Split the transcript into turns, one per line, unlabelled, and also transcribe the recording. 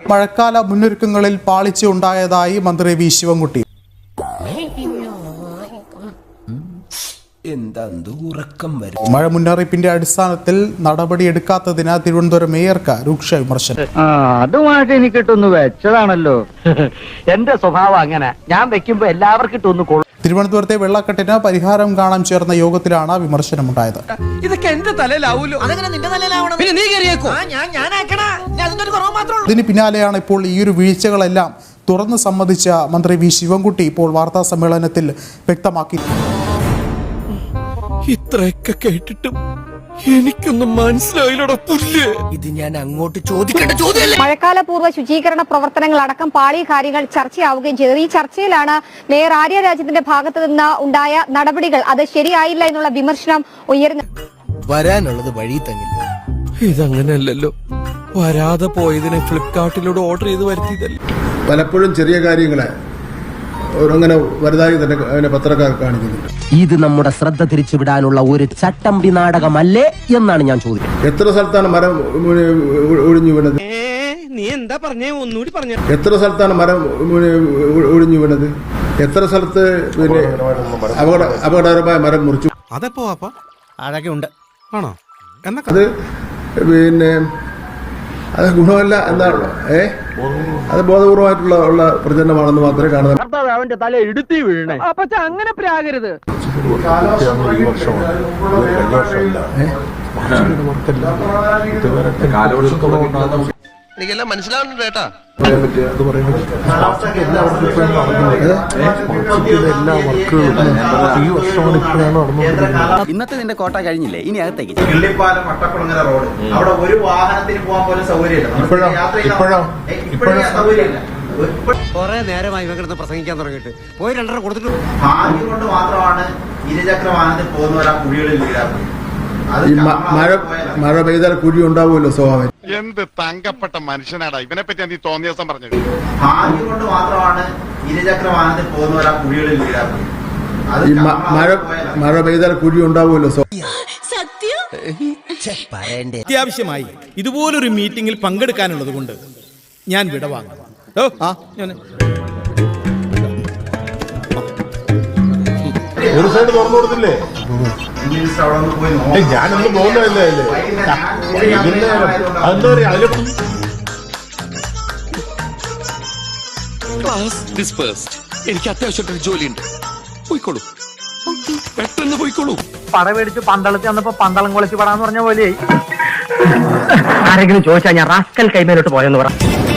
മഴക്കാല മുന്നൊരുക്കങ്ങളിൽ പാളിച്ച ഉണ്ടായതായി മന്ത്രി വി ശിവൻകുട്ടി. മഴ മുന്നറിയിപ്പിന്റെ അടിസ്ഥാനത്തിൽ നടപടിയെടുക്കാത്തതിന് തിരുവനന്തപുരം മേയർക്ക് രൂക്ഷ വിമർശനം.
അതുമായിട്ട് എനിക്ക് ഇട്ടൊന്ന് വെച്ചതാണല്ലോ. എന്റെ സ്വഭാവം അങ്ങനെ, ഞാൻ വെക്കുമ്പോ എല്ലാവർക്കും ഇട്ടൊന്ന് കൊള്ളും.
തിരുവനന്തപുരത്തെ വെള്ളക്കെട്ടിന് പരിഹാരം കാണാൻ ചേർന്ന യോഗത്തിലാണ് വിമർശനമുണ്ടായത്.
ഇതൊക്കെ എന്റെ തലയിലാവൂലോ.
ഇതിന് പിന്നാലെയാണ് ഇപ്പോൾ ഈയൊരു വീഴ്ചകളെല്ലാം തുറന്ന് സമ്മതിച്ച മന്ത്രി വി ശിവൻകുട്ടി ഇപ്പോൾ വാർത്താ സമ്മേളനത്തിൽ വ്യക്തമാക്കി.
ഇത്രയൊക്കെ കേട്ടിട്ടും എനിക്കൊന്നും മനസ്സിലായില്ലട പുല്ല്. ഇത് ഞാൻ അങ്ങോട്ട് ചോദിക്കേണ്ട ചോദ്യമല്ല.
മഴക്കാലപൂർവ്വ ശുചീകരണ പ്രവർത്തനങ്ങൾ അടക്കം പാളി കാര്യങ്ങൾ ചർച്ചയാവുകയും ചെയ്തു. ഈ ചർച്ചയിലാണ് മേയർ ആര്യ രാജേന്ദ്രന്റെ ഭാഗത്ത് നിന്ന് ഉണ്ടായ നടപടികൾ അത് ശരിയായില്ല എന്നുള്ള വിമർശനം ഉയർന്നു.
വരാനുള്ളത് വഴി തങ്ങില്ല. ഇതങ്ങനെയല്ലല്ലോ. വരാതെ പോയതിനെ ഫ്ലിപ്കാർട്ടിലൂടെ ഓർഡർ ചെയ്ത് വരുത്തിയതല്ലേ.
പലപ്പോഴും ചെറിയ കാര്യങ്ങളെ അങ്ങനെ വലുതായി തന്നെ അതിനെ പത്രക്കാർ കാണിക്കുന്നുണ്ട്.
ഇത് നമ്മുടെ ശ്രദ്ധ തിരിച്ചുവിടാനുള്ള ഒരു ചട്ടമ്പി നാടകമല്ലേ എന്നാണ് ഞാൻ ചോദിക്കുന്നത്.
എത്ര സ്ഥലത്താണ് മരം ഒഴിഞ്ഞു വീണത്?
നീ എന്താ പറഞ്ഞേ? ഒന്നുകൂടി പറഞ്ഞു.
എത്ര സ്ഥലത്താണ് മരം ഒഴിഞ്ഞു വീണത്? എത്ര സ്ഥലത്ത് പിന്നെ അപകടകരമായ മരം മുറിച്ചു?
അതെപ്പോ അതൊക്കെ ഉണ്ട് ആണോ?
അത് പിന്നെ അത് ഗുണമല്ല എന്നാണ് അത് ബോധപൂർവമായിട്ടുള്ള പ്രചരണമാണെന്ന് മാത്രമേ കാണുന്നത്.
അവന്റെ തല ഇടുത്തി വീഴണേ. അപ്പൊ അങ്ങനെ പ്രാകരുത്.
എനിക്കെല്ലാം മനസ്സിലാവുന്നുണ്ട് കേട്ടാ.
ഇന്നത്തെ നിന്റെ കോട്ട കഴിഞ്ഞില്ലേ, ഇനി അകത്തേക്ക്.
കിള്ളിപ്പാലം മട്ടക്കുളങ്ങര റോഡ്, അവിടെ ഒരു വാഹനത്തിന് പോകാൻ പോലും സൗകര്യമില്ല.
കൊറേ നേരമായി ഇവകിടന്ന് പ്രസംഗിക്കാൻ തുടങ്ങിയിട്ട് പോയി 2.5 കൊടുത്തിട്ട്.
ഭാഗ്യം കൊണ്ട് മാത്രമാണ് ഇരുചക്ര വാഹനത്തിൽ പോകുന്നവർ ആ കുഴികളിൽ വീഴാറുണ്ട്.
മഴ പെയ്താൽ കുഴി ഉണ്ടാവുമല്ലോ സ്വാഭാവികം.
എന്ത് തങ്കപ്പെട്ട മനുഷ്യനാടാ ഇവനെ പറ്റി നീ തോന്നിയ ദിവസം പറഞ്ഞത്.
ഭാഗ്യം കൊണ്ട് മാത്രമാണ് ഇരുചക്ര വാഹനത്തിൽ പോകുന്നവർ ആ കുഴികളിൽ വീഴാറുണ്ട്.
മഴ പെയ്താൽ കുഴി ഉണ്ടാവുമല്ലോ.
അത്യാവശ്യമായി ഇതുപോലൊരു മീറ്റിംഗിൽ പങ്കെടുക്കാനുള്ളത് കൊണ്ട് ഞാൻ വിടവാങ്ങും.
ഒരു സൈഡ് തുറന്നു കൊടുത്തില്ലേ? ഞാനൊന്നും പോകുന്നതല്ലേ.
എനിക്ക് അത്യാവശ്യമായിട്ടൊരു ജോലിയുണ്ട്. പോയിക്കോളൂ, പെട്ടെന്ന് പോയിക്കോളൂ.
പട മേടിച്ച് പന്തളത്തിൽ വന്നപ്പോ പന്തളം കൊളിച്ച് പടാന്ന് പറഞ്ഞ പോലെയായി. ആരെങ്കിലും ചോദിച്ചാൽ ഞാൻ റാസ്കൽ കൈമേലോട്ട് പോയെന്ന് പറ.